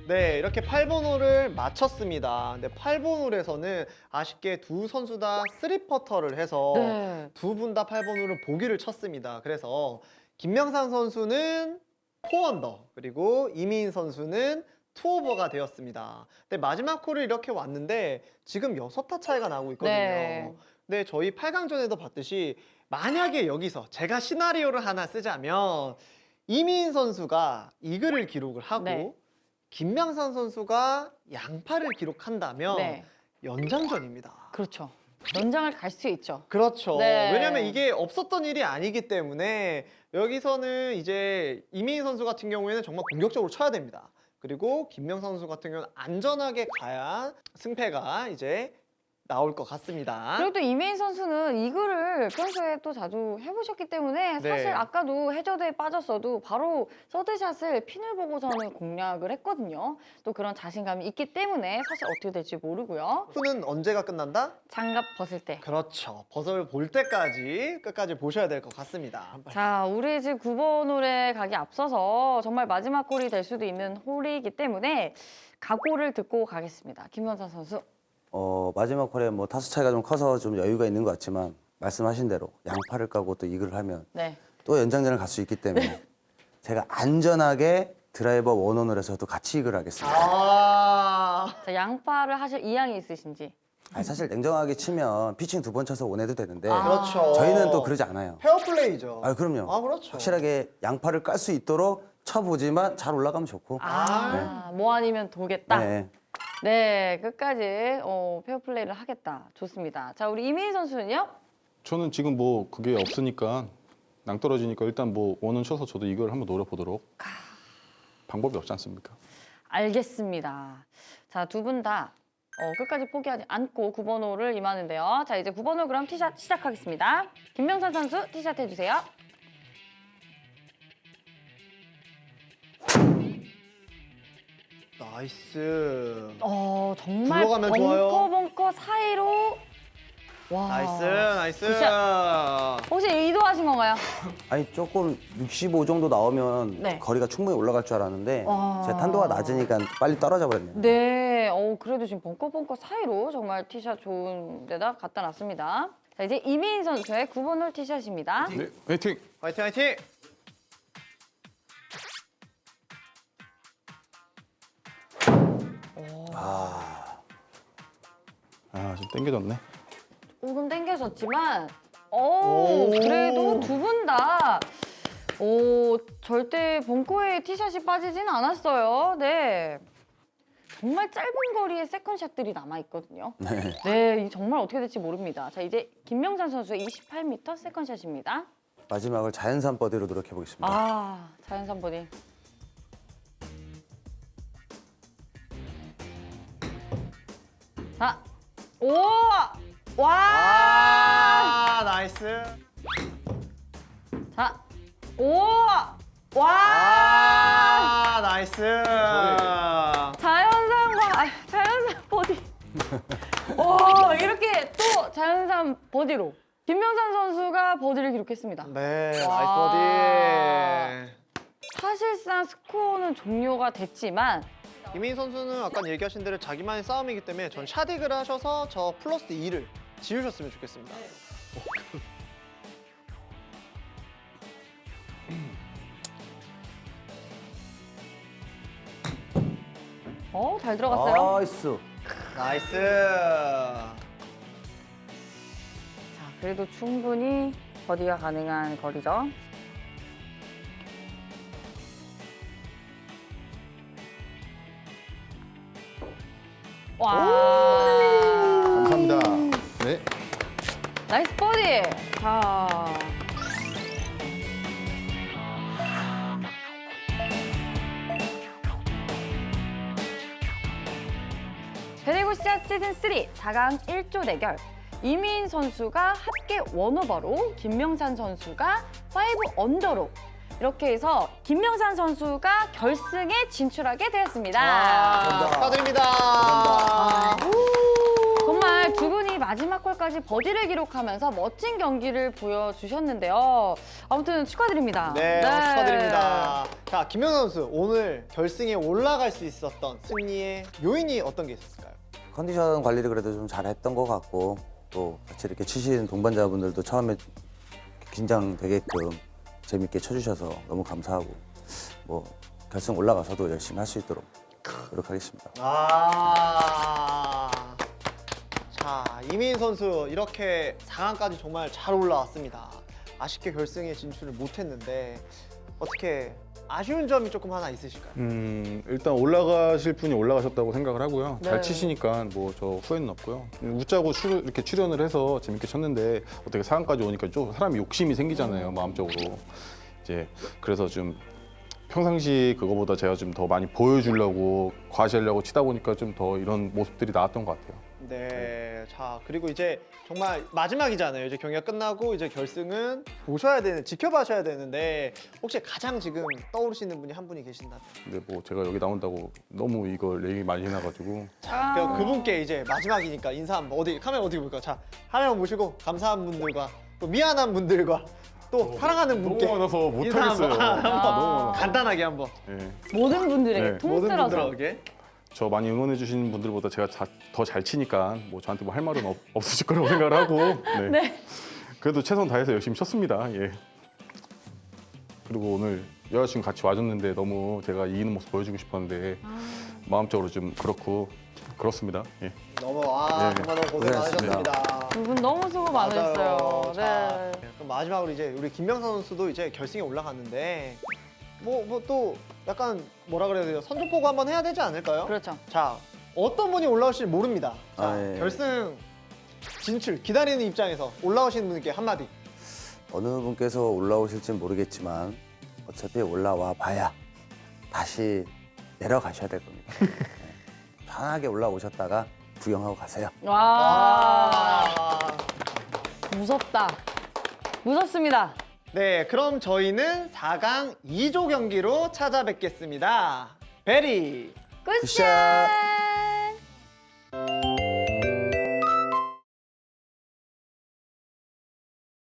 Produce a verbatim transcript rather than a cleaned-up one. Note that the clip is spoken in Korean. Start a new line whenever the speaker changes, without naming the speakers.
네, 이렇게 팔 번 홀을 마쳤습니다. 근데 팔 번 홀에서는 아쉽게 두 선수 다 쓰리 퍼터를 해서
네.
두 분 다 팔 번 홀을 보기를 쳤습니다. 그래서 김명산 선수는 사 언더, 그리고 이민 선수는 투 오버가 되었습니다. 근데 마지막 홀을 이렇게 왔는데 지금 여섯 타 차이가 나고 있거든요.
네.
근데 저희 팔 강전에도 봤듯이 만약에 여기서 제가 시나리오를 하나 쓰자면 이민 선수가 이글을 기록을 하고
네.
김명산 선수가 양파를 기록한다면
네.
연장전입니다.
그렇죠. 연장을 갈 수 있죠.
그렇죠.
네.
왜냐면 이게 없었던 일이 아니기 때문에 여기서는 이제 이민 선수 같은 경우에는 정말 공격적으로 쳐야 됩니다. 그리고 김명산 선수 같은 경우는 안전하게 가야 승패가 이제 나올 것 같습니다.
그리고 또 이메인 선수는 이글을 평소에 또 자주 해보셨기 때문에
네.
사실 아까도 해저드에 빠졌어도 바로 서드샷을 핀을 보고서는 공략을 했거든요. 또 그런 자신감이 있기 때문에 사실 어떻게 될지 모르고요.
후는 언제가 끝난다?
장갑 벗을 때.
그렇죠. 버섯을 볼 때까지 끝까지 보셔야 될 것 같습니다.
자, 우리 지금 구 번 홀에 가기 앞서서 정말 마지막 홀이 될 수도 있는 홀이기 때문에 각오를 듣고 가겠습니다. 김현선 선수.
어, 마지막 홀에 뭐 타수 차이가 좀 커서 좀 여유가 있는 것 같지만 말씀하신 대로 양파를 까고 또 이글을 하면
네.
또 연장전을 갈 수 있기 때문에 제가 안전하게 드라이버 원원을 해서 또 같이 이글을 하겠습니다.
아,
자, 양파를 하실 의향이 있으신지.
아니, 사실 냉정하게 치면 피칭 두 번 쳐서 원해도 되는데
아.
그렇죠.
저희는 또 그러지 않아요.
페어플레이죠.
아, 그럼요.
아, 그렇죠.
확실하게 양파를 깔 수 있도록 쳐보지만 잘 올라가면 좋고.
아, 뭐 아니면 도겠다.
네.
네, 끝까지 어, 페어플레이를 하겠다. 좋습니다. 자, 우리 이민 선수는요?
저는 지금 뭐 그게 없으니까 낭떨어지니까 일단 뭐 원은 쳐서 저도 이걸 한번 노려보도록. 방법이 없지 않습니까?
알겠습니다. 자, 두 분 다 어, 끝까지 포기하지 않고 구 번 홀을 임하는데요. 자, 이제 구 번 홀 그럼 티샷 시작하겠습니다. 김명산 선수 티샷 해주세요.
나이스.
어, 정말
굴러가면
벙커
좋아요.
벙커 사이로 와.
나이스, 나이스.
혹시 의도하신 건가요?
아니 조금 육십오 정도 나오면
네.
거리가 충분히 올라갈 줄 알았는데
와.
제 탄도가 낮으니까 빨리 떨어져 버렸네요.
네, 어, 그래도 지금 벙커 벙커 사이로 정말 티샷 좋은 데다 갖다 놨습니다. 자, 이제 이민 선수의 구 번 홀 티샷입니다.
네, 화이팅!
화이팅, 화이팅.
아, 좀 땡겨졌네.
조금 땡겨졌지만, 오,
오.
그래도 두 분 다, 오, 절대 벙커에 티샷이 빠지진 않았어요. 네. 정말 짧은 거리의 세컨샷들이 남아있거든요.
네.
네, 이 정말 어떻게 될지 모릅니다. 자, 이제 김명산 선수의 이십팔 미터 세컨샷입니다.
마지막을 자연산 버디로 노력해 보겠습니다.
아, 자연산 버디. 자, 오! 와!
아, 나이스.
자, 오! 와!
아, 나이스.
자연산과, 아, 자연산 버디. 오, 이렇게 또 자연산 버디로. 김명산 선수가 버디를 기록했습니다.
네,
와.
나이스 버디.
사실상 스코어는 종료가 됐지만,
이민 선수는 아까 얘기하신 대로 자기만의 싸움이기 때문에 전 샷익을 하셔서 저 플러스 이를 지우셨으면 좋겠습니다.
어, 잘 들어갔어요.
나이스.
나이스.
자, 그래도 충분히 버디가 가능한 거리죠. 와.
감사합니다. 네.
나이스 버디. 자. 베리굿샷 시즌 삼 사 강 일 조 대결. 이민 선수가 합계 원오버로 김명산 선수가 오 언더로 이렇게 해서 김명산 선수가 결승에 진출하게 되었습니다.
와, 축하드립니다.
정말 두 분이 마지막 홀까지 버디를 기록하면서 멋진 경기를 보여주셨는데요. 아무튼 축하드립니다.
네, 축하드립니다. 자, 김명선 선수 오늘 결승에 올라갈 수 있었던 승리의 요인이 어떤 게 있었을까요?
컨디션 관리를 그래도 좀 잘했던 것 같고 또 같이 이렇게 치신 동반자분들도 처음에 긴장되게끔 재밌게 쳐주셔서 너무 감사하고 뭐 결승 올라가서도 열심히 할 수 있도록 노력하겠습니다.
아. 자, 이민 선수 이렇게 사 강까지 정말 잘 올라왔습니다. 아쉽게 결승에 진출을 못했는데 어떻게 아쉬운 점이 조금 하나 있으실까요?
음, 일단 올라가실 분이 올라가셨다고 생각을 하고요.
네.
잘 치시니까 뭐 저 후회는 없고요. 웃자고 출, 이렇게 출연을 해서 재밌게 쳤는데 어떻게 사 강까지 오니까 좀 사람이 욕심이 생기잖아요, 마음적으로. 이제 그래서 좀 평상시 그거보다 제가 좀 더 많이 보여주려고 과시하려고 치다 보니까 좀 더 이런 모습들이 나왔던 것 같아요.
네. 자, 그리고 이제 정말 마지막이잖아요. 이제 경기가 끝나고 이제 결승은 보셔야 되는, 지켜봐셔야 되는데 혹시 가장 지금 떠오르시는 분이 한 분이 계신다면?
근데 뭐 제가 여기 나온다고 너무 이걸 얘기 많이 해놔가지고
아.
그 그분께 이제 마지막이니까 인사 한번 어디 카메라 어디 볼까요? 자, 화면 보시고 감사한 분들과 또 미안한 분들과 또 사랑하는 분께
너무 많아서
인사
못하겠어요.
한번, 한번
너무 많아.
간단하게 한번
예.
모든 분들에게
네,
모든
통틀어서
분들에게
저 많이 응원해 주신 분들보다 제가 더 잘 치니까 뭐 저한테 뭐 할 말은 없, 없으실 거라고 생각을 하고 네.
네.
그래도 최선 다해서 열심히 쳤습니다. 예. 그리고 오늘 여자친구 같이 와줬는데 너무 제가 이기는 모습 보여주고 싶었는데 마음적으로 좀 그렇고 그렇습니다. 예.
너무 아
네.
정말 너무 고생
고생하셨습니다.
많으셨습니다.
두 분 너무 수고
맞아요.
많으셨어요.
자,
네.
그럼 마지막으로 이제 우리 김명선 선수도 이제 결승에 올라갔는데 뭐 뭐 또 약간 뭐라 그래야 돼요? 선전포고 한번 해야 되지 않을까요?
그렇죠.
자, 어떤 분이 올라오실지 모릅니다. 자,
아, 예.
결승 진출 기다리는 입장에서 올라오시는 분께 한마디.
어느 분께서 올라오실지는 모르겠지만 어차피 올라와 봐야 다시 내려가셔야 될 겁니다. 네. 편하게 올라오셨다가 구경하고 가세요.
와,
아.
무섭다. 무섭습니다.
네, 그럼 저희는 사 강 이 조 경기로 찾아뵙겠습니다. 베리.
굿샷!
굿샷!